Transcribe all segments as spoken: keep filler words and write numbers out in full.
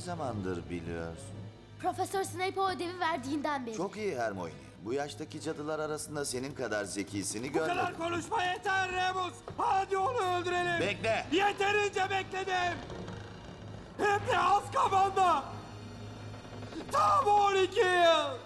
zamandır biliyorsun? Profesör Snape o ödevi verdiğinden beri. Çok iyi Hermione. Bu yaştaki cadılar arasında senin kadar zekisini Bu görmedim. kadar konuşma yeter Remus. Hadi onu öldürelim. Bekle. Yeterince bekledim. Hem de Azkaban'da. Tam on iki yıl.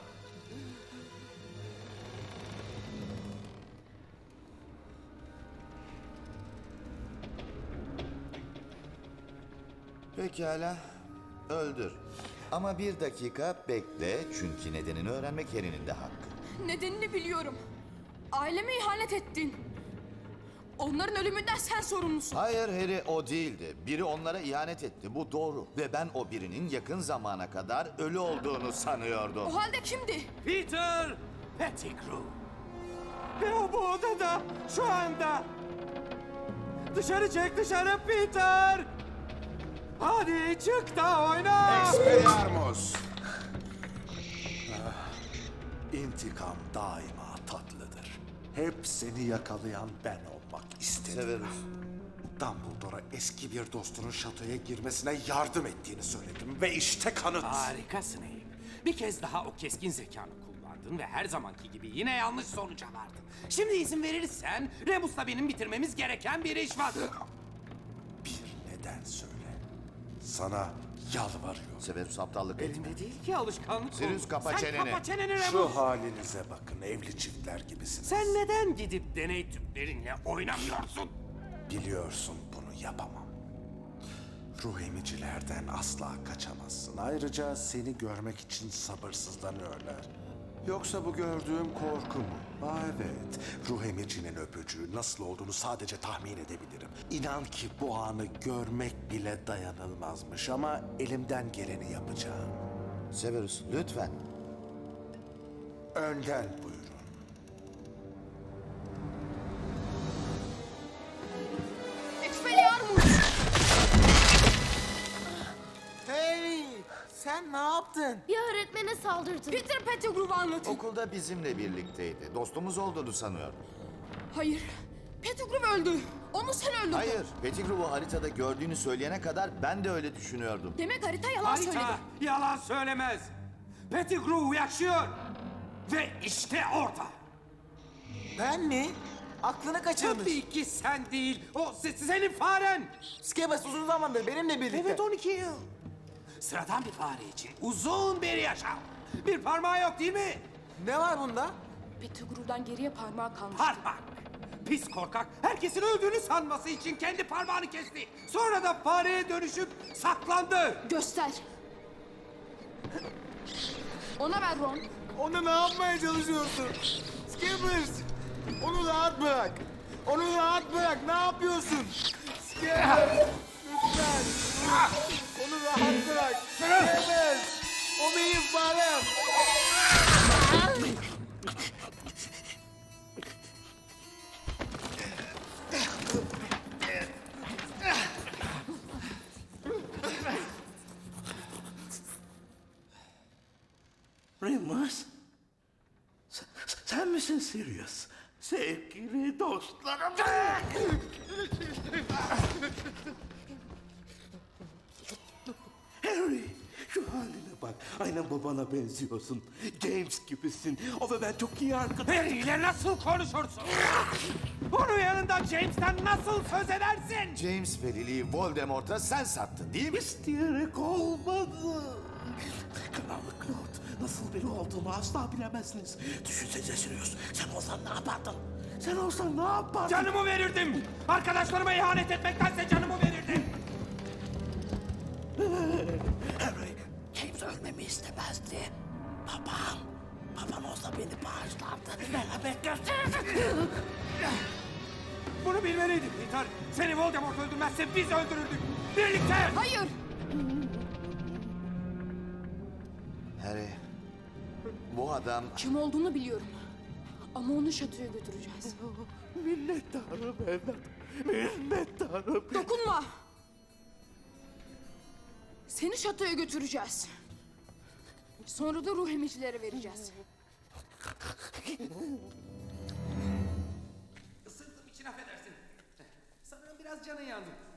Pekala. Öldür. Ama bir dakika bekle çünkü nedenini öğrenmek Harry'nin de hakkı. Nedenini biliyorum. Aileme ihanet ettin. Onların ölümünden sen sorumlusun. Hayır Harry o değildi. Biri onlara ihanet etti. Bu doğru. Ve ben o birinin yakın zamana kadar ölü olduğunu sanıyordum. O halde kimdi? Peter Pettigrew. Ve o bu odada şu anda. Dışarı çık dışarı Peter. Hadi çık da oyna. Expelliarmus! Ah, İntikam daima tatlıdır. Hep seni yakalayan ben olmak istedim. Severus. Dumbledore'a eski bir dostunun şatoya girmesine yardım ettiğini söyledim ve işte kanıt. Harika Snape. Bir kez daha o keskin zekanı kullandın ve her zamanki gibi yine yanlış sonuca vardın. Şimdi izin verirsen Remus'la benim bitirmemiz gereken bir iş var. Bir neden söyle. Sana yalvarıyorum. Severus aptallık etme. Elimde değil ki alışkanlık. Sirius, oldu. kapa Sen çeneni. kapa çeneni Remus. Şu halinize bakın, evli çiftler gibisiniz. Sen neden gidip deney tüplerinle oynamıyorsun? Biliyorsun bunu yapamam. Ruh emicilerden asla kaçamazsın. Ayrıca seni görmek için sabırsızlanıyorlar. Yoksa bu gördüğüm korku mu? Aa, evet. Ruh emicinin öpücüğü nasıl olduğunu sadece tahmin edebilirim. İnan ki bu anı görmek bile dayanılmazmış ama elimden geleni yapacağım. Severus lütfen. Önden buyurun. Expelliarmus! Harry, sen ne yaptın? Bir öğretmene saldırdın. Peter Pettigrew'u anlatın. Okulda bizimle birlikteydi. Dostumuz olduğunu sanıyordum. Hayır. Pettigrew öldü. Onu sen öldürdün. Hayır. Pettigrew'u haritada gördüğünü söyleyene kadar ben de öyle düşünüyordum. Demek harita yalan söyledi. Harita yalan söylemez. Pettigrew yaşıyor. Ve işte orada. Ben mi? Aklını kaçırmış. Tabii ki sen değil. O se- senin faren. Skebas uzun zamandır benimle birlikte. Evet on iki yıl. Sıradan bir fare için uzun bir yaşam. Bir parmağı yok değil mi? Ne var bunda? Pettigrew'dan geriye parmağı kalmış. Parmak. Pis korkak herkesin öldüğünü sanması için kendi parmağını kesti. Sonra da fareye dönüşüp saklandı. Göster. Ona ver Ron. Onu ne yapmaya çalışıyorsun? Skebas! Onu rahat bırak. Onu rahat bırak. Ne yapıyorsun? Skebas! Lütfen. Onu rahat bırak. Skebas! O benim farem. Remus, sen, sen misin Sirius? Sevgili dostlarım. Harry, şu haline bak. Aynen babana benziyorsun. James gibisin. O ve ben çok iyi arkadaş. Harry ile nasıl konuşursun? Onun yanında James'ten nasıl söz edersin? James ve Lily'yi Voldemort'a sen sattın değil mi? İsteyerek olmadı. Karanlık Lord, nasıl biri olduğumu asla bilemezsiniz. Düşünsene Sirius, sen olsan ne yapardın? Sen olsan ne yapardın? Canımı verirdim. Arkadaşlarıma ihanet etmektense canımı verirdim. Harry, James ölmemi istemezdi. Babam, babam olsa beni bağışlardı. Beraber gösteririz. Bunu bilmeliydin Peter. Seni Voldemort öldürmezse biz öldürürdük. Birlikte. Hayır. Harry, bu adam... Kim olduğunu biliyorum. Ama onu şatoya götüreceğiz. Minnettarım evlat, minnettarım. Dokunma. Seni şatoya götüreceğiz. Sonra da ruh emicilere vereceğiz. Isırdım için affedersin. Sanırım biraz canın yandı.